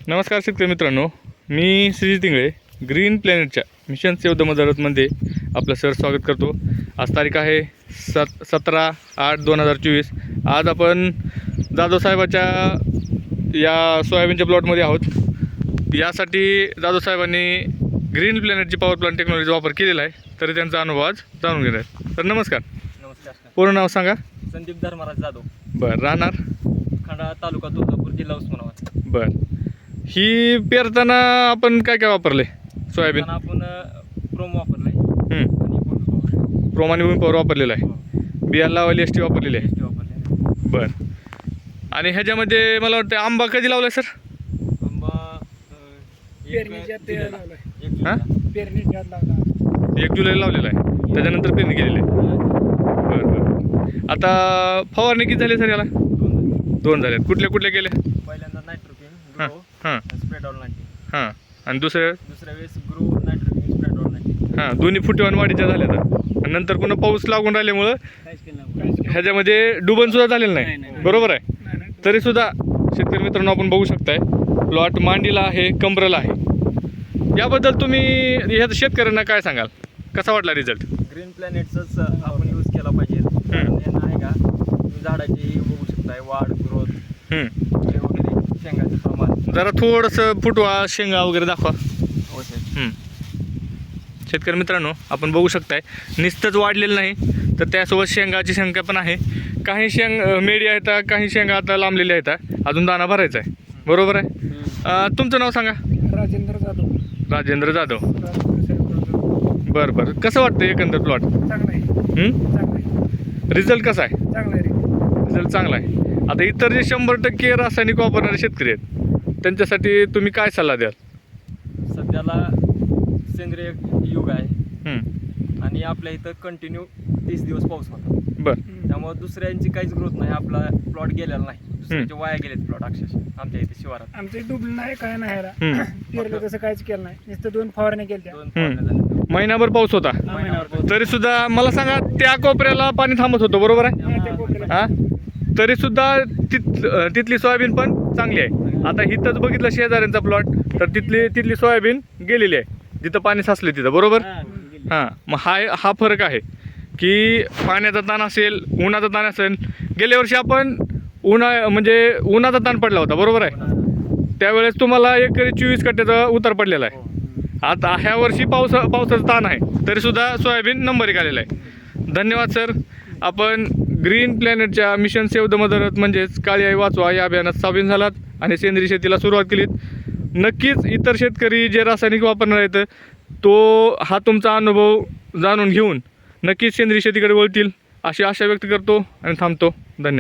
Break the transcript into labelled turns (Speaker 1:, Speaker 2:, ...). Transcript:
Speaker 1: नमस्कार शेतकरी मित्रांनो, मी श्रीजित इंगळे ग्रीन प्लॅनेटच्या मिशन सेव्ह द मदर अर्थमध्ये आपलं स्वागत करतो। आज तारीख आहे 17/8/2024। आज आपण जाधव साहेबाच्या या सोयाबीनच्या प्लॉटमध्ये आहोत। यासाठी जाधव साहेबांनी ग्रीन प्लॅनेटची पॉवर प्लांट टेक्नॉलॉजी वापर केलेला आहे, तरी त्यांचा अनुभव आज जाणून घेणार आहे। तर नमस्कार।
Speaker 2: नमस्कार।
Speaker 1: पूर्ण नाव सांगा।
Speaker 2: संदीप धर्मराज जाधव,
Speaker 1: बरं, राहणार
Speaker 2: खंडाळा तालुका तुळजापूर, जिल्हा उस्मानाबाद।
Speaker 1: बरं, ही पेरताना आपण काय काय वापरले सोयाबीन?
Speaker 2: आपण प्रोम वापरलाय आणि
Speaker 1: प्रोमाने पॉवर वापरलेला आहे, बियाला लावायला एस टी वापरलेली आहे।
Speaker 2: वापरले।
Speaker 1: बरं, आणि ह्याच्यामध्ये मला वाटतं आंबा कधी लावला सर?
Speaker 2: आंबा
Speaker 1: हां, 1 जुलैला लावलेला आहे, त्याच्यानंतर पेरणी केलेली आहे। बरं बरं, आता फवारणी किती झाली सर याला? 2 झाले। कुठले कुठले केले?
Speaker 2: पहिल्यांदा नायट्रोकिन
Speaker 1: हां
Speaker 2: ग्रो
Speaker 1: हां
Speaker 2: स्प्रेड ऑल 90,
Speaker 1: हां, आणि दुसऱ्या
Speaker 2: वेळेस ग्रो नायट्रोकिन स्प्रेड ऑल 90।
Speaker 1: हां, दोन्ही फुटेवान वाढीच्या झाल्या तर, आणि नंतर पुन्हा पाऊस लागून राहिल्यामुळं ह्याच्यामध्ये डुबनसुद्धा झालेलं नाही, बरोबर आहे? तरीसुद्धा शेतकरी मित्रांनो आपण बघू शकताय, प्लॉट मांडीला आहे, कमरला आहे। याबद्दल तुम्ही ह्या शेतकऱ्यांना काय सांगाल, कसा वाटला रिझल्ट?
Speaker 2: ग्रीन प्लॅनेटचाच आपण यूज केला पाहिजे। कारण यांना आहे का, तुम्ही झाडाची बघू शकताय वाढ, ग्रोथ वगैरे, शेंगाचं प्रमाण
Speaker 1: जरा थोडंसं फुटवा, शेंगा वगैरे दाखवा।
Speaker 2: होते।
Speaker 1: शेतकरी मित्रांनो आपण बघू शकताय, नुसतंच वाढलेलं नाही तर त्यासोबत शेंगाची संख्या पण आहे। काही मेडी आहेत, काही शेंगा आता लांबलेल्या आहेत, अजून दाना भरायचा आहे, बरोबर आहे? तुमचं नाव सांगा।
Speaker 3: राजेंद्र जाधव।
Speaker 1: राजेंद्र जाधव, बरं बरं। कसं वाटतं एकंदर प्लॉट? रिझल्ट कसा आहे? रिझल्ट चांगला आहे। आता इतर जे 100% रासायनिक वापरणारे शेतकरी आहेत त्यांच्यासाठी तुम्ही काय सल्ला द्याल?
Speaker 2: सध्याला सेंद्रिय युग आहे आणि आपल्या इथं कंटिन्यू 30 दिवस पाऊस होता।
Speaker 1: बरं,
Speaker 2: त्यामुळे दुसऱ्यांची काहीच ग्रोथ नाही, आपला प्लॉट गेलेला नाही, दुसऱ्यांचे वाया गेलेत प्लॉट अक्षरशः आमच्या इथे शिवारात।
Speaker 3: आमचे डुबलं नाही, काय नाही पेरलं तसं काहीच केलं नाही, नुसतं 2 फवारण्या केल्या।
Speaker 2: 2 फवारण्या झाल्या।
Speaker 1: महिनाभर पाऊस होता, तरी सुद्धा मला सांगा त्या कोपऱ्याला पाणी थांबत होतं, बरोबर आहे? हां, तरी सुद्धा तिथली सोयाबीन पण चांगली आहे। आता इथंच बघितलं शेजाऱ्यांचा प्लॉट, तर तिथली सोयाबीन गेलेली आहे, जिथं पाणी साचले तिथं, बरोबर? हां, मग हा फरक आहे की पाण्याचा ताण असेल, उन्हाचा ताण असेल। गेल्या वर्षी आपण उन्हाचा ताण पडला होता, बरोबर आहे? त्यावेळेस तुम्हाला एकरी 24 कट्ट्याचा उतार पडलेला आहे। आता ह्या वर्षी पावसाचा ताण आहे, तरीसुद्धा सोयाबीन नंबर 1 आलेला आहे। धन्यवाद सर। आपण ग्रीन प्लॅनेटच्या mission save the mother earth म्हणजेच काळी आई वाचवा या अभियानात सामील झालात आणि सेंद्रिय शेतीला सुरुवात केलीत। नक्कीच इतर शेतकरी जे रासायनिक वापरणार आहेत हा तुमचा अनुभव जाणून घेऊन नक्कीच सेंद्रिय शेतीकडे वळतील अशी आशा व्यक्त करतो आणि थांबतो। धन्यवाद।